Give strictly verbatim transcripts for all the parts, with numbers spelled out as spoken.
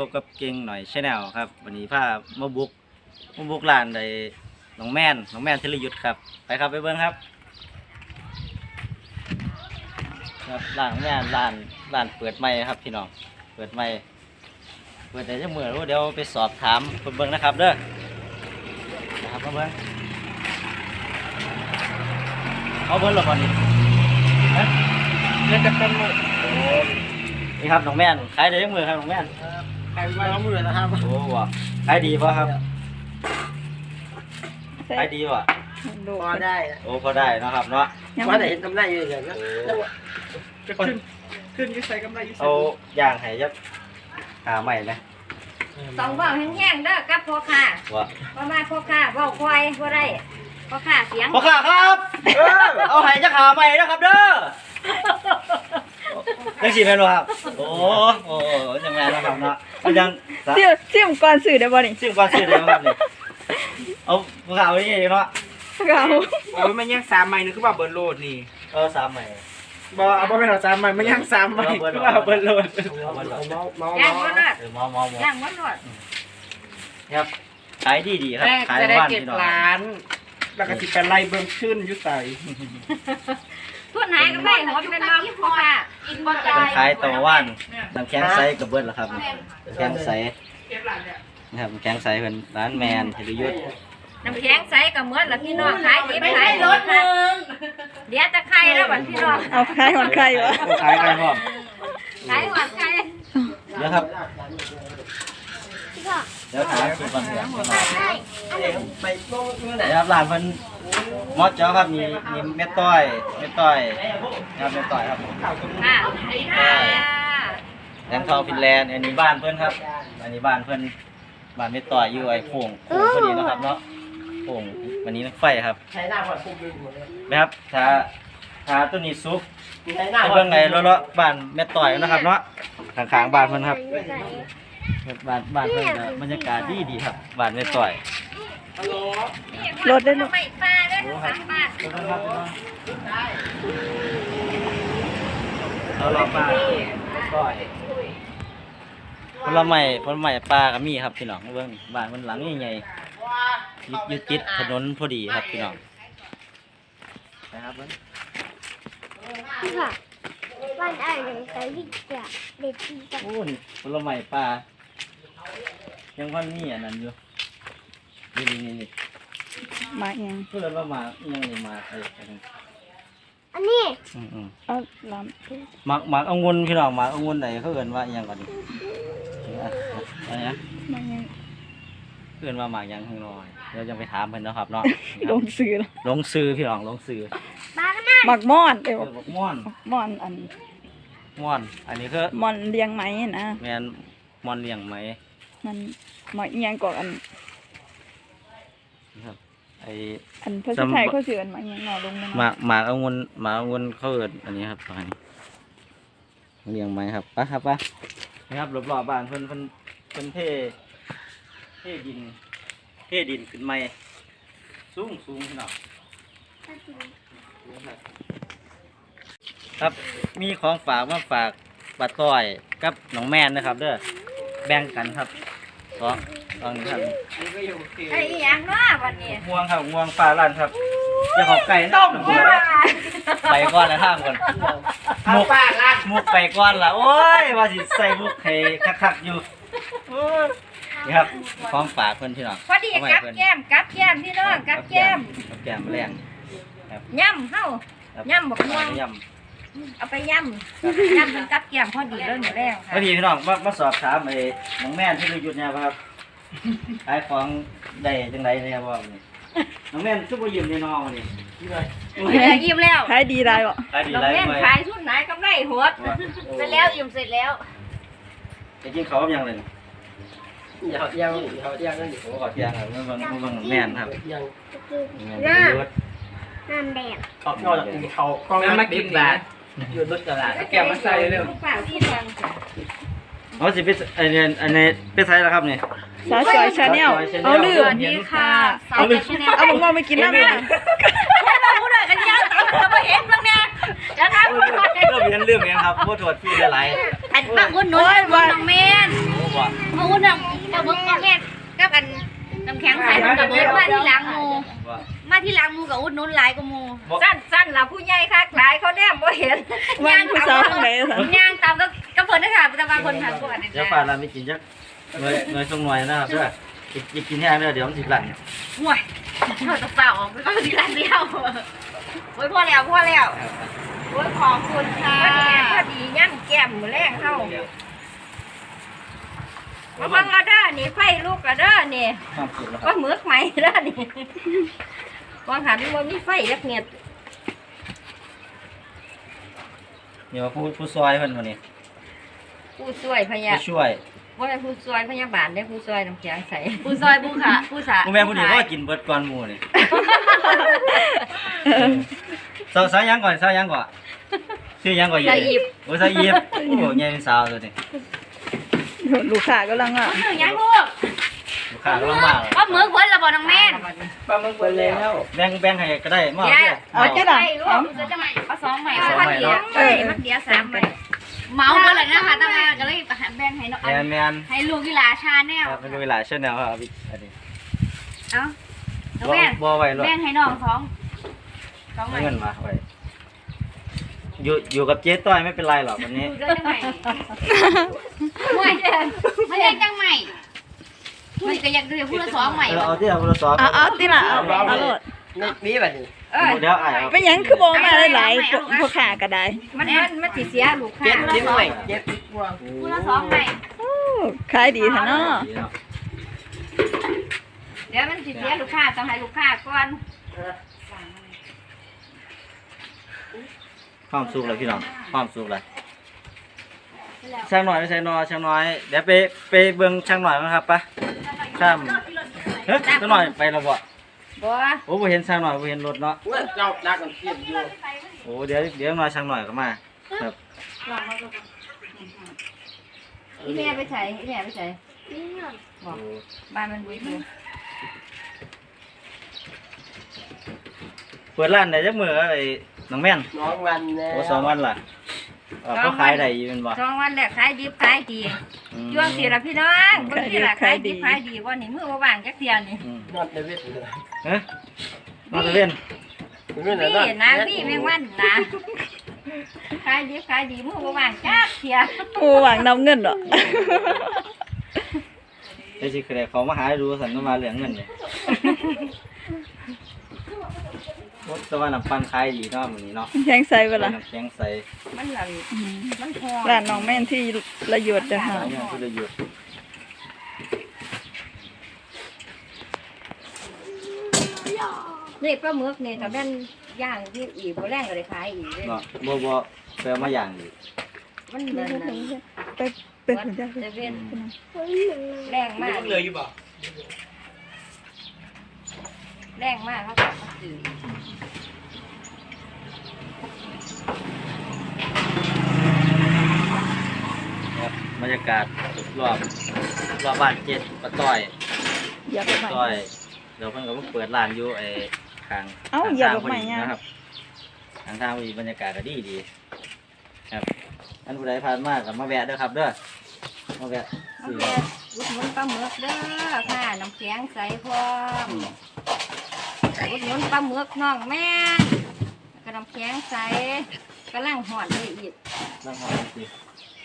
บกับเก่งหน่อยชาแนลครับวันนี้พามาบุกมาบุกร้านใดน้องแม่นน้องแม่นธีรยุทธครับไปครับไปเบิ้งครับครับร้านแม่นร้านร้านเปิดใหม่ครับพี่น้องเปิดใหม่เปิดได้จะเมื่อรู้เดี๋ยวไปสอบถามเบิ้งนะครับเด้อนะครับมาเบิ้งเอาเบิ้งหรอก่อนนี่นะเล่นจะเป็นมือนี่ครับน้องแม่นขายได้ยังมือครับน้องแม่นขายมาแล้วมือนะครับโอ้ว่ะขายดีป่ะครับขายดีป่ะพอได้โอ้พอได้นะครับเนาะว่าแต่เห็นกำไรเยอะเลยนะจะขึ้นขึ้นก็ใส่กำไรอยู่เอาย่างให้ยักหาใหม่นะต้องบอกแห้งๆเด้อกับพ่อค้าว่าประมาณพ่อค้าเว้าควายบ่ได้พ่อค้าเสียงพ่อค้าครับเอาให้ยักหาใหม่นะครับเด้อยังสี่แม่นครับโอ้โอ้ยังไงนะครับเนาะยังเสี่ยเสี่ยมก่อนสื่อได้บ่นี่ซิ่งก่อนสื่อได้บ่ครับนี่เอาพ่อค้าเอาอย่างนี้เนาะเอาเอาไม่ย่างสามใหม่นึกว่าเบิร์นโหลดนี่เออสามใหม่บ่เอาบ่เป็นเอาสามใหม่ไม่ย่างสามใหม่คือว่าเบิร์นโหลดเมาเมาย่างมันรอดเออเมาเมาย่างมันรอดครับขายดีดีครับขายบ้านพี่น้องร้านแล้วก็สิเป็นไล่เบิ่มขึ้นอยู่ใส่ทุนหายก็ได้หมดเป็นบ่พ่อค้ากินบ่ได้ขายตะวันน้ำแข็งใสกับเบิร์ดล่ะครับน้ำแข็งใสนะครับน้ำแข็งใสเป็นร้านแมนธีรยุทธน้ำแข็งใสกับเหมือนละพี่น้องขายดิบขายรถนึงเดี๋ยวจะไข่แล้วบัดพี่น้องเอาขายหอดไข่วะขายไข่พร้อมขายหอดไข่เดี๋ยวครับเดี๋ยวขายสุดก่อนเดี๋ยวไปเดี๋ยวครับร้านเพิ่นมอสเจ้าครับมีมีเม็ดต้อยเม็ดต้อยครับเม็ดต้อยครับค่ะแหลมทองฟินแลนด์อันนี้บ้านเพิ่นครับอันนี้บ้านเพิ่นบ้านเม็ดต้อยอยู่ไอ้โป่งโป่งพอดีนะครับเนาะโป่งวันนี้นักไฟครับใช้หน้าพอดปุ๊บเลยนะครับถ้าถ้าตัวนี้ซุปเพิ่งไงเลาะๆบ้านเม็ดต้อยนะครับเนาะข้างๆบ้านเพิ่นครับบ้านบ้านเพิ่นบรรยากาศดีดีครับบ้านเม็ดต้อยรถได้ลูกไม่ปลาได้สามบาทเราลองปลาต้อยผลไม้ผลไม้ปลาก็มีครับพี่น้องเบิ่งบ้านมันหลังใหญ่ๆยึดติดถนนพอดีครับพี่น้องนะครับเบิ่งค่ะบ้านอะไรใส่ลิเกะเด็ดดีจังโอ้นี่ผลไม้ปลายังวันนี้อันนั้นอยู่นี่นี่นี่มาเองเพื่อนว่ามายังนี่มาไอ้อันนี้อืมเอาลำหมักหมักองุ่นพี่น้องหมักองุ่นไหนเขาเอิ้นว่ายังก่อนนี่อะไรนะมาเองเพื่อนว่าหมักยังข้างนอกเดี๋ยวจะไปถามเพิ่นนะครับเนาะลงซื้อลงซื้อพี่น้องลงซื้อหมักม่อนเอ้ยหมักม่อนม่อนอันม่อนอันนี้คือม่อนเลี้ยงไหมนะแม่นม่อนเลี้ยงไหมมันหมักเอียงกว่าอันครับไออันภาษาไทยเขาชื่ออันหมักเอียงหน่อลงหมากหมากองุ่นหมากองุ่นเขาเอิ้นอันนี้ครับอันนี้เลี้ยงไหมครับปะครับปะนี่ครับรอบๆบ้านเพิ่นเพิ่นเพิ่นเทเทดินเทดินขึ้นใหม่สูงสูงพี่น้องครับมีของฝากมาฝากป้าต้อยกับน้องแม่นนะครับเด้อแบ่งกันครับสองสองนี้ครับไอ้ยังเนาะวันนี้ง่วงครับง่วงปลาลั่นครับจะขอไก่ต้มไปก้อนละท่ามก่อนมุกปลาลั่นมุกไปก้อนละโอ้ยว่าสิใส่มุกให้คักๆอยู่นี่ครับของฝากเพิ่นพี่น้องพอดีกับแก้มกับแก้มพี่น้องกับแก้มกับแก้มแรงครับย่ำเฮาย่ำบอกม่วงย่ำเอาไปย่ำย่ำเป็นกับแก้มพอดีเลยหนูแล้วพอดีพี่น้องมามาสอบถามไอ้น้องแม่นที่เราหยุดเนี่ยครับขายของได้จังไรเนี่ยบ่น้องแม่นซุปเปอร์ยิ้มในน้องนี่ยิ้มแล้วขายดีได้บ่ขายดีน้องแม่นขายชุดไหนกำไรหดเสร็จแล้วยิ้มเสร็จแล้วจะกินข้าวยังเลยอย่ายังอย่ายังนั่นอยู่โอ้ขอเที่ยงครับเมื่อวันเมื่อวันแม่นครับยังน้ำน้ำแดงเขานอกจากเขากล้องมากินแบบอยู่รถกระดาษแก้วมาใส่เร็วอ๋อสิเป็นอันนี้อันนี้เป็นไซส์แล้วครับนี่สาวสวยชาแนลเอาลืมนี่ค่ะเอาลืมเอาบอกว่าไม่กินน้ำเลยเราพูดอะไรกันยังเราไปเห็นบ้างเนี่ยจะทำเรื่องเรียนเรื่องยังครับพูดถวดพี่หลายอันมาอุ่นนุ่นน้องเมนโอ้ว่ะมาอุ่นน้องกระเบื้องน้องเมนกับอันน้ำแข็งใส่มันกระเบื้องมาที่หลังมูว่ามาที่หลังมูกับอุ่นนุ่นหลายกับมูสั้นสั้นล่ะผู้ใหญ่คักหลายเขาแนมบ่เห็นวันผู้สาวทางไหนสันย่างตามก็ก็เพิ่นนะคะแต่บางคนทานก่อนเดี๋ยวป่าเราไม่กินจักหน่วยหน่วยทรงหน่วยนะครับเด้อจะกินแห้งเด้อเดี๋ยวมันสิบหลังห่วยเขาจะเปล่าออกไปก็ทีละเดียวโอ้ยพอแล้วพอแล้วโอ้ยขอบคุณค่ะพอดีย่างแก้มมือแรงเข้ามาบังกระด้านี่ไฟลูกกระด้านี่ความสุขแล้วคก็รับมือกไหมด้านี่วางหันว่ามีไฟยักเนียดเดี๋ยวผู้ผู้ซอยเพิ่นคนนี้ผู้ช่วยพยาผู้ช่วยว่าผู้ช่วยพยาบาลได้ผู้ช่วยน้ำแข็งใสผู้ช่วยผู้ขาผู้สาผู้แม่ผู้นี้ก็กินเบิดก่อนหมู่นี่สาวสาวยังก่อนสาวยังก่อนชื่อยังก่อนใหญ่โอ้สาวยิบโอ้ใหญ่เป็นสาวตัวนี้ลูกค้ากํลังอ่ะหนึ่งยังลูกลูกค้าก็ลำบากก็มือคนละบ่น้องแม่นปลาหมึกไปแล้วแบ่งแบ่งให้ก็ได้มาเดี๋ยวเด้อเอาจะได้ลูกจะใหม่เอาสองใหม่เอาพันเดียวเอ้ยมันเดียวสามใหม่เมาไปเลยนะคะตั้งแต่ก็เลยแบ่งให้น้องแมนแมนให้ลูกกีฬาชาแนลครับเป็นเวลาเช่นแนวครับอันนี้เอาน้องบ่แม่นบ่ไว้หรอกแบ่งให้น้องสองสองใหม่เงินมาไว้อยู่อยู่กับเจ๊ต้อยไม่เป็นไรหรอกวันนี้ดูได้จังใหม่ห่วยไม่ได้จังใหม่มันก็อยากดูพูดละสองใหม่เออเอาที่เอาโทรศัพท์เอาเอาติล่ะเอาเอาโลดนี่นี่แบบนี้เอ้ยเดี๋ยวไอ้เอาเป็นหยังคือบ่มาหลายๆพวกพวกค้าก็ได้มันมันมันสิเสียลูกค้าเจ็ดนิดหน่อยเจ็ดกว่าพูดละสองใหม่โอ้ขายดีแท้เนาะเดี๋ยวมันสิเสียลูกค้าต้องให้ลูกค้าก่อนความสุขเลยพี่น้องความสุขเลยช่างหน่อยไม่ใช่นอช่างน้อยเดี๋ยวไปไปเบิ่งช่างหน่อยมั้งครับปะข้ามเฮ้ยช่างหน่อยไปแล้วบ่บ่โอ้บ่เห็นช่างหน่อยบ่เห็นรถเนาะเว้ยเจ้าดักกันเทียบอยู่โอ้เดี๋ยวเดี๋ยวมาช่างหน่อยก็มาครับอีแม่ไปใส่อีแม่ไปใส่นี่หน่อยบอกบ้านมันบุยบุยเปิดร้านได้จักมื้อไอ้น้องแม่นน้องวันแน่โอ้สองวันล่ะเออเขาขายได้อยู่แม่นบ่สองวันแรกขายดิบขายดีอืมช่วงสี่ละพี่น้องบางทีละขายดิบขายดีวันนี้มือว่างจักเทียนี่อืมนอนในเวทเลยเฮ้ยมาตะเวนไม่ไหนพี่นะพี่แมงวันนะขายดิบขายดีมือว่างจักเทียโอ้หวังนำเงินดอกได้สิคือได้เขามาหาดูสันก็มาเหลืองเงินเลยโอ้แต่ว่าน้ำปั่นขายดีเนาะมื้อนี้เนาะแข็งใส่เวลาน้ำแข็งใสมันหลังมันพอร้านน้องแม่นที่ระยดจ้ะค่ะหลายอย่างที่ได้หยุดนี่ปลาหมึกนี่ถ้าแม่นย่างที่อีกบ่แรงก็ได้ขายอีกเลยเนาะบ่บ่แปลมาอย่างดีมันเดินนะไปเป็นถึงจ้ะเซเว่นเฮ้ยหนึ่งแรงมากเลยอยู่บ่แรงมากเขาบอกว่าสื่อครับบรรยากาศรอบรอบบ้านเจ็ดปะต้อยอย่าไปใหม่ต้อยเดี๋ยวเพิ่นก็มาเปิดร้านอยู่ไอ้ข้างเอ้าข้งอย่าทงบอกใหม่พอดีย่านะครับทางทางพอดีบรรยากาศก็ดีดีครับอันผู้ใดผ่านมาก็มาแวะเด้อครับเด้อมาแวะเอาซื้อแค่อุดหนุนปลาหมึกเด้อค่ะน้ำแข็งใสพร้อมอุดหนุนปลาหมึกน้องแม่นแล้วก็น้ำแข็งใสกำลังห่อนเลยอีกนั่งหอมสิ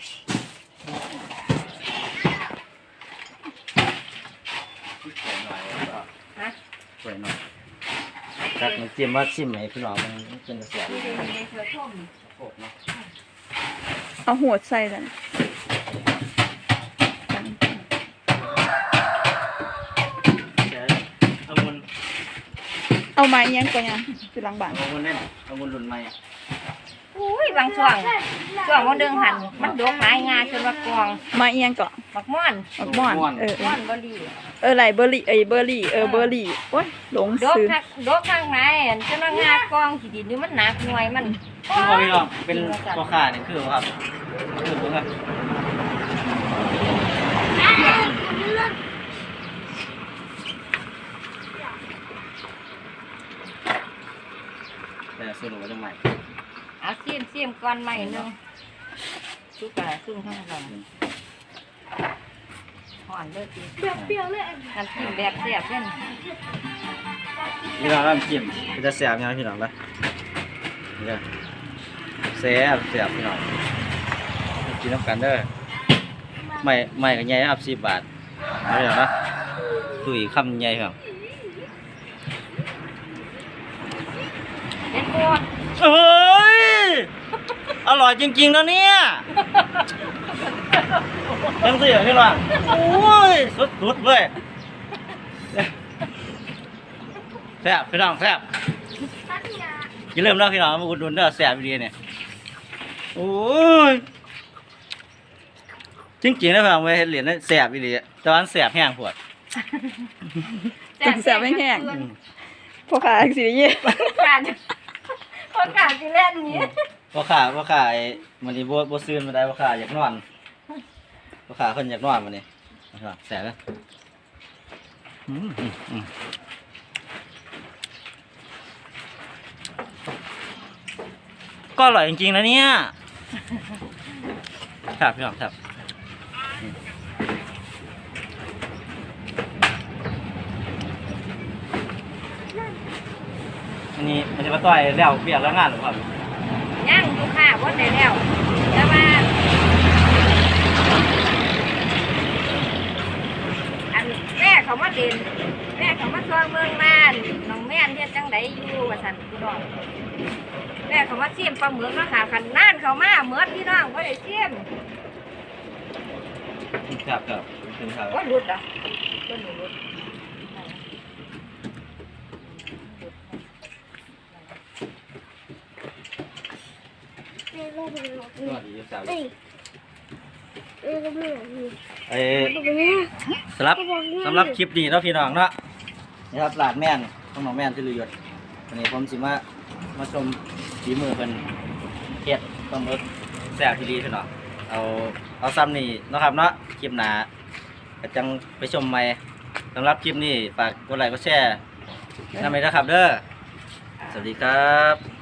สวยหน่อยแล้วก็ฮะสวยหน่อยจากน้ำจิ้มว่าชิมให้พี่น้องมันเป็นกระแสดูดีเลยเธอชมโอ้เนาะเอาหัวใส่กันเดี๋ยวเอาเงินเอาไม้ยังก่อนยังอยู่หลังบ้านเอาเงินแน่นเอาเงินหลุนใหม่อุ้ยบางช่วงช่วงวันเดือนหันมันดกหลายงาจนว่ากองไม้ยังก่อนบักม่อนบักม่อนเออเอม่ออนบรีเออไหลเบอร์รี่เอ้ยเบอร์รี่เออเบอร์รี่โอ้ยหลงดกซื้อข้างดกข้างในอันจนว่างากองขีดินนี่มันหนักหน่วยมันคือว่าพี่น้องเป็นพ่อค้านี่คือว่าครับคือผมครับแต่เนี่ยสรุปว่าจะใหม่เอาซีมซีมก่อนใหม่หนึงซุปกระซุ่มข้างหลังห่อนเลยจีแบบเปรี้ยวเลยอันน้ำจิ้มแบบเสียบเล่นพี่น้องน้ำจิ้มจะแสบยังพี่น้องปะนี่เด้อแสบแสบพี่น้องกินน้ำกันเด้อไม่ไม่ก็ใหญ่ครับสิบบาทเอาเลยนะตุ้ยคำใหญ่ครับเด็ดปวดเฮ้ยอร่อยจริงๆนะเนี่ยยังสิเหรอพี่น้องโอ้ยสุดๆเลยแซ่บพี่น้องแซ่บพัทยาอย่าลืมนะพี่น้องมาอุดหนุนเด้อแซ่บดีเนี่ยโอ้ยจริงๆนะพี่น้องไปเห็นเหรียญนั่นแซ่บดีแต่ว่าแซ่บแห้งปวดจังแซ่บแห้งๆพอขาสิได้ยินการพอการสิเล่นนี้พ่อขาพ่อขาไอ้มันนี่บ่บ่ซื่นมาได้พ่อขาอยากนอนพ่อขาเพิ่นอยากนอนมันนี่นะครับแซ่บเลยอืมอืมอืมก็อร่อยจริงๆนะเนี่ยครับพี่น้องครับอันนี้มันจะมาต่อยแล้วเบียกแล้วงานหรือเปล่าย่างอยู่ค่ะว่าได้แล้วแต่ว่าอันแม่เขามาเด่นแม่เขามาซองเมืองม่านน้องแม่นเฮ็ดจังไดอยู่ว่าซั่นกูดอกแม่เขามาเสียมปลาหมึกมาค่ะคันน่านเขามาเหมือนพี่น้องบ่ได้เสียมครับครับถึงครับว่าหลุดอ่ะบ่หลุดเอ้ยลงไปเลยสวัสดีครับเอ้ยเอ้ยลงไปเลยเอ้ลงไปเนี่ยสำหรับสำหรับคลิปนี้เนาะพี่น้องเนาะนี่ครับหลานแม่นต้องน้องแม่นที่ลือยศวันนี้ผมสิมามาชมฝีมือเพิ่นเฮ็ดปลาหมึกแซ่บที่ดีพี่น้องเอาเอาซ้ำนี่เนาะครับเนาะคลิปหน้าก็จังไปชมใหม่สำหรับคลิปนี้ฝากกดไลค์กดแชร์นำไปนะครับเด้อสวัสดีครับ